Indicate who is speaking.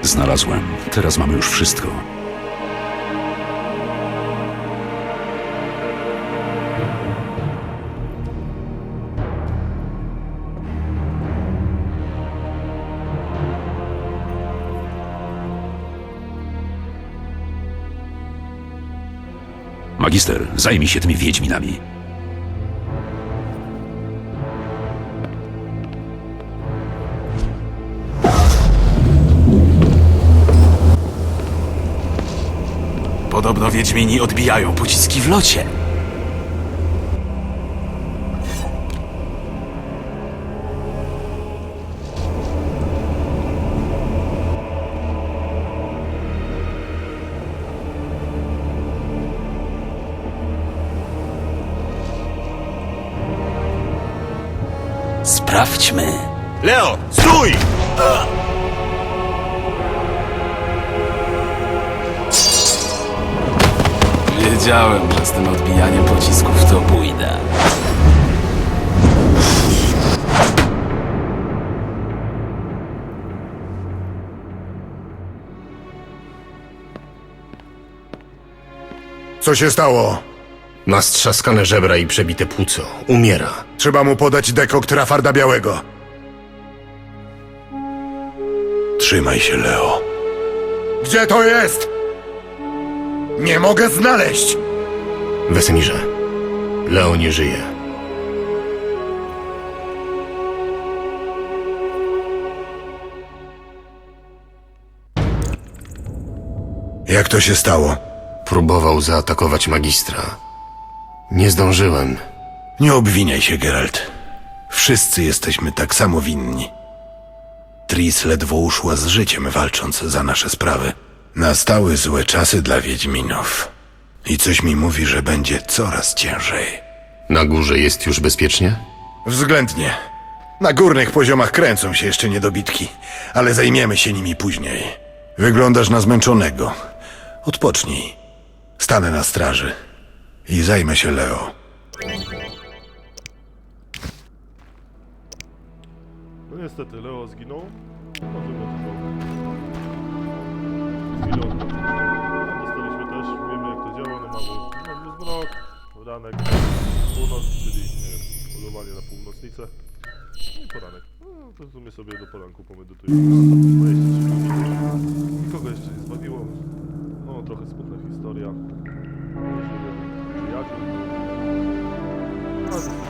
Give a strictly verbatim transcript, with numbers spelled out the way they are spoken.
Speaker 1: Znalazłem. Teraz mamy już wszystko. Magister, zajmij się tymi wiedźminami.
Speaker 2: Podobno wiedźmini odbijają pociski w locie. Sprawdźmy. Leo, stój! Wiedziałem, że z tym odbijaniem pocisków to pójdę.
Speaker 3: Co się stało?
Speaker 4: Ma strzaskane żebra i przebite płuco. Umiera.
Speaker 3: Trzeba mu podać dekokt Rafarda Białego.
Speaker 1: Trzymaj się, Leo.
Speaker 3: Gdzie to jest? Nie mogę znaleźć!
Speaker 4: Wesemirze, Leo nie żyje.
Speaker 3: Jak to się stało?
Speaker 4: Próbował zaatakować magistra. Nie zdążyłem.
Speaker 3: Nie obwiniaj się, Geralt. Wszyscy jesteśmy tak samo winni. Tris ledwo uszła z życiem, walcząc za nasze sprawy. Nastały złe czasy dla Wiedźminów. I coś mi mówi, że będzie coraz ciężej.
Speaker 4: Na górze jest już bezpiecznie?
Speaker 3: Względnie. Na górnych poziomach kręcą się jeszcze niedobitki, ale zajmiemy się nimi później. Wyglądasz na zmęczonego. Odpocznij. Stanę na straży i zajmę się Leo.
Speaker 5: No niestety, Leo zginął. Możemy to zrobić. Zginął. Dostaliśmy też, wiemy jak to działa, no mamy, mamy zmrok, ranek, północ, czyli nie wiem, polowanie na północnicę. No i poranek. No to w sumie sobie do poranku pomedytujemy. No to dwadzieścia trzy godziny. Nikogo jeszcze nie zbawiło. No trochę smutna historia. Możliwy przyjaciół. No,